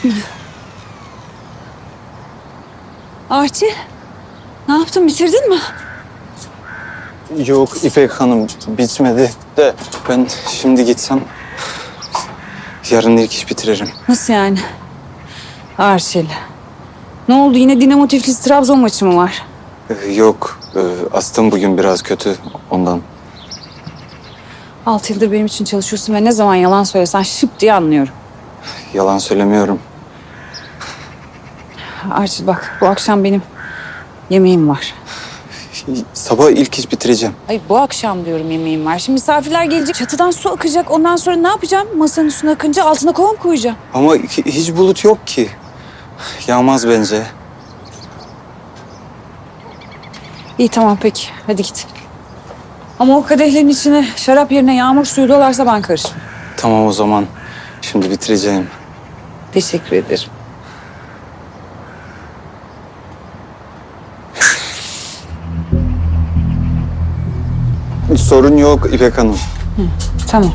Arçi, ne yaptın? Bitirdin mi? Yok İpek Hanım, bitmedi de ben şimdi gitsem yarın ilk iş bitiririm. Nasıl yani? Arçil. Ne oldu? Yine Dinamo Tiflis Trabzon maçı mı var? Yok, astım bugün biraz kötü ondan. 6 yıldır benim için çalışıyorsun ve ne zaman yalan söylesen şıp diye anlıyorum. Yalan söylemiyorum. Arçil bak, bu akşam benim yemeğim var. Sabah ilk iş bitireceğim. Ay bu akşam diyorum yemeğim var. Şimdi misafirler gelecek, çatıdan su akacak. Ondan sonra ne yapacağım? Masanın üstüne akınca altına kova mı koyacağım? Ama hiç bulut yok ki. Yağmaz bence. İyi tamam peki, hadi git. Ama o kadehlerin içine şarap yerine yağmur suyu dolarsa ben karışmam. Tamam o zaman. Şimdi bitireceğim. Teşekkür ederim. Sorun yok İpek Hanım. Tamam.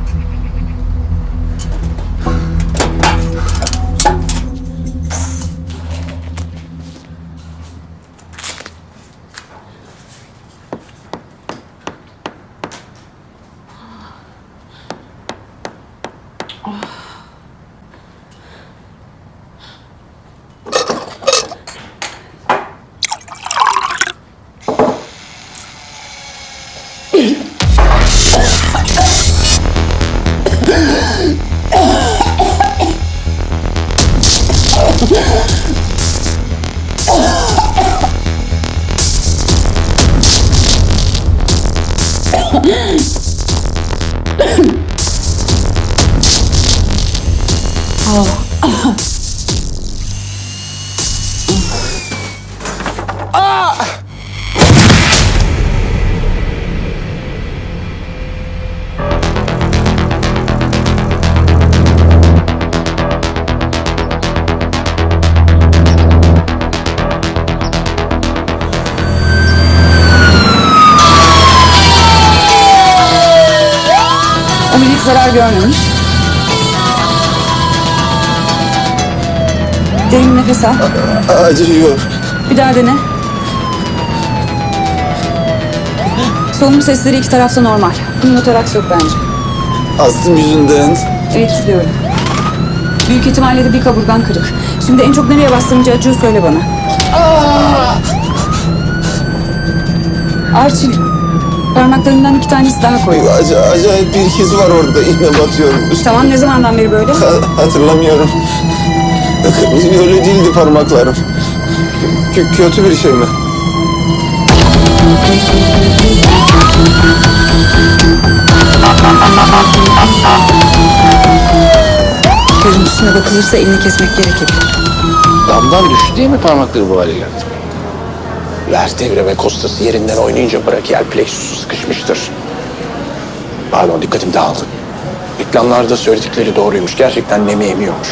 Omurilik zarar görmemiş. Derin nefes al. Acıyor. Bir daha dene. Solunum sesleri iki tarafta normal. Pneumotoraks yok bence. Astım yüzünden. Evet biliyorum. Büyük ihtimalle de bir kaburgan kırık. Şimdi en çok nereye bastırınca acıyor söyle bana. Arçil, parmaklarından 2 tanesi daha koy. Acayip bir his var orada. İğne batıyormuş. Tamam ne zamandan beri böyle? Hatırlamıyorum. Öyle değildi parmaklarım. Kötü bir şey mi? Görüntüsüne bakılırsa elini kesmek gerekebilir. Damdan düştü diye mi parmakları bu hale geldi? Vertebre ve kostası yerinden oynayınca brachial plexusu sıkışmıştır. Pardon, dikkatim dağıldı. Reklamlarda söyledikleri doğruymuş. Gerçekten nemi emiyormuş.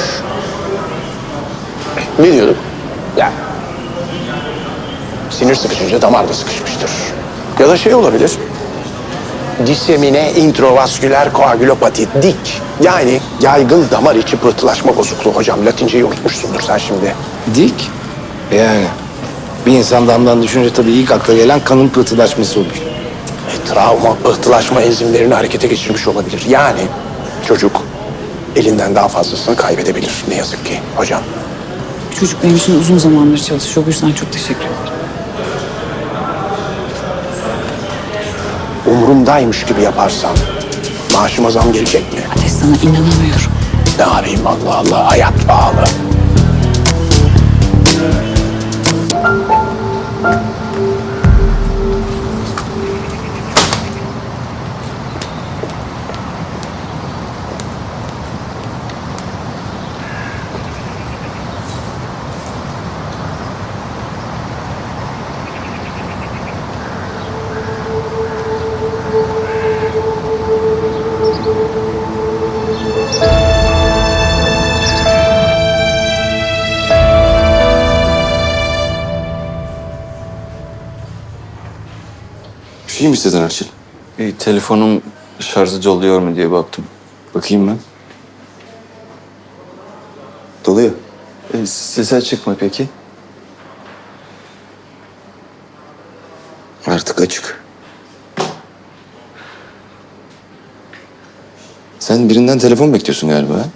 Ne diyorduk? Ya. Sinir sıkışınca damar da sıkışmıştır. Ya da şey olabilir. Disemine introvasküler koagülopati, dik. Yani yaygın damar içi pıhtılaşma bozukluğu hocam. Latinceyi unutmuşsundur sen şimdi. Dik. Yani bir insan damdan düşünce tabii ilk akla gelen kanın pıhtılaşması olur. Travma, pıhtılaşma enzimlerini harekete geçirmiş olabilir. Yani çocuk elinden daha fazlasını kaybedebilir ne yazık ki hocam. Çocuk benim için uzun zamandır çalışıyor. Bu yüzden çok teşekkür ederim. Umurumdaymış gibi yaparsam maaşıma zam gelecek mi? Ateş sana inanamıyorum. Ne yapayım Allah Allah, hayat pahalı. Bir şey mi istedin Arçil? Telefonum şarjı doluyor mu diye baktım. Bakayım ben. Dolu oluyor? Sese çıkma peki? Artık açık. Sen birinden telefon bekliyorsun galiba. Ha?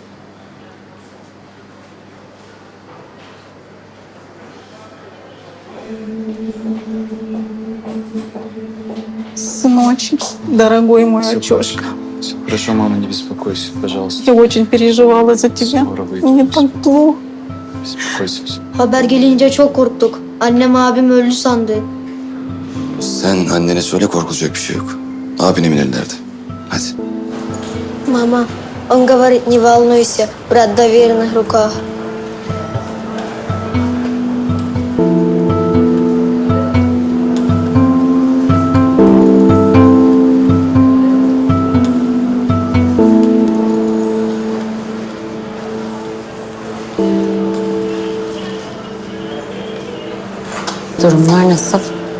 Сыночек, дорогой мой Всё отчёшка, Все хорошо, мама, не беспокойся, пожалуйста. я очень переживала за тебя. Скоро выйдет. Мне так плохо. Беспокойся. Всё. Haber gelince çok korktuk. Annem abim öldü sandı. Sen annene söyle, korkulacak bir şey yok. Abin emin ellerde. Hadi. Мама, он говорит, не волнуйся, брат в доверенных руках. Durumlar nasıl?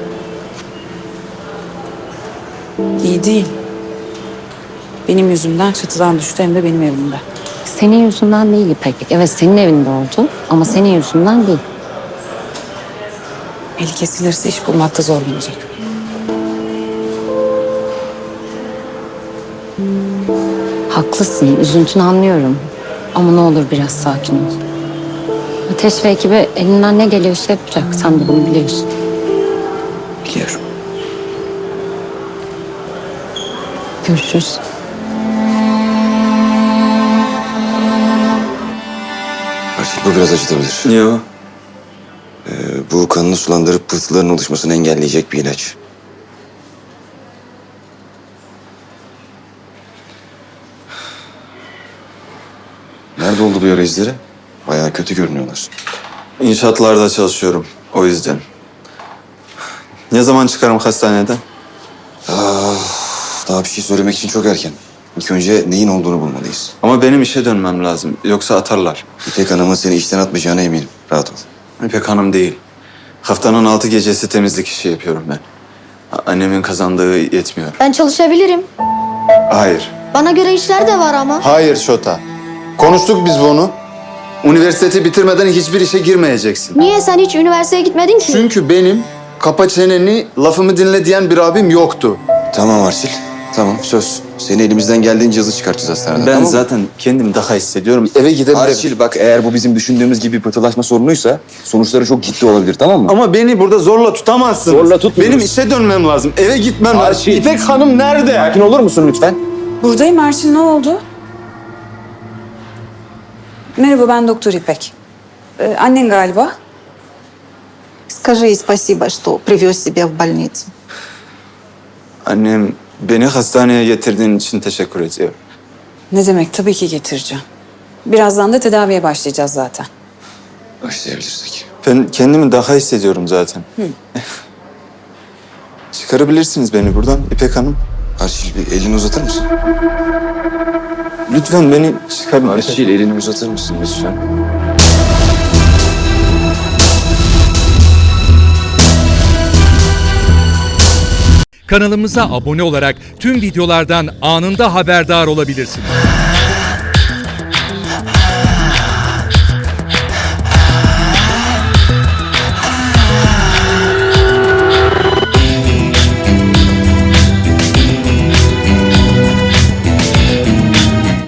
İyi değil. Benim yüzümden çatıdan düştü hem de benim evimde. Senin yüzünden değil İpek. Evet senin evinde oldu ama senin yüzünden değil. Eli kesilirse iş bulmakta zorlanacak. Haklısın, üzüntünü anlıyorum. Ama ne olur biraz sakin ol. Ateş ve ekibi elinden ne geliyorsa yapacak. Sen de bunu biliyorsun. Biliyorum. Görüşürüz. Artık bu biraz acıtabilir. Niye o? Bu kanını sulandırıp pıhtıların oluşmasını engelleyecek bir ilaç. Nerede oldu bu yara izleri? Bayağı kötü görünüyorlar. İnşaatlarda çalışıyorum. O yüzden. Ne zaman çıkarım hastaneden? Daha bir şey söylemek için çok erken. İlk önce neyin olduğunu bulmalıyız. Ama benim işe dönmem lazım. Yoksa atarlar. İpek Hanım'ın seni işten atmayacağına eminim. Rahat ol. İpek Hanım değil. Haftanın 6 gecesi temizlik işi yapıyorum ben. Annemin kazandığı yetmiyor. Ben çalışabilirim. Hayır. Bana göre işler de var ama. Hayır Şota. Konuştuk biz bunu. Üniversiteti bitirmeden hiçbir işe girmeyeceksin. Niye sen hiç üniversiteye gitmedin ki? Çünkü benim kapa çeneni, lafımı dinle diyen bir abim yoktu. Tamam Arşil. Tamam söz. Seni elimizden geldiğince hızlı çıkartacağız hastaneden. Ben tamam mı? zaten kendimi daha hissediyorum. Eve gidebilirim. Arşil bak, eğer bu bizim düşündüğümüz gibi bir pıhtılaşma sorunuysa sonuçları çok ciddi olabilir, tamam mı? Ama beni burada zorla tutamazsınız. Zorla tutmuyoruz. Benim işe dönmem lazım. Eve gitmem lazım. Arşil. İpek Hanım nerede? Sakin olur musun lütfen? Buradayım Erçin, ne oldu? Merhaba, ben Doktor İpek. Annen galiba. Скажи ей спасибо, что привез себя в больницу. Annem, beni hastaneye getirdiğin için teşekkür ediyor. Ne demek, tabii ki getireceğim. Birazdan da tedaviye başlayacağız zaten. Başlayabilirsek. Ben kendimi daha hissediyorum zaten. Çıkarabilirsiniz beni buradan İpek Hanım. Arşil bir elini uzatır mısın? Lütfen beni çıkarın. Arşil elini uzatır mısın lütfen? Kanalımıza abone olarak tüm videolardan anında haberdar olabilirsiniz.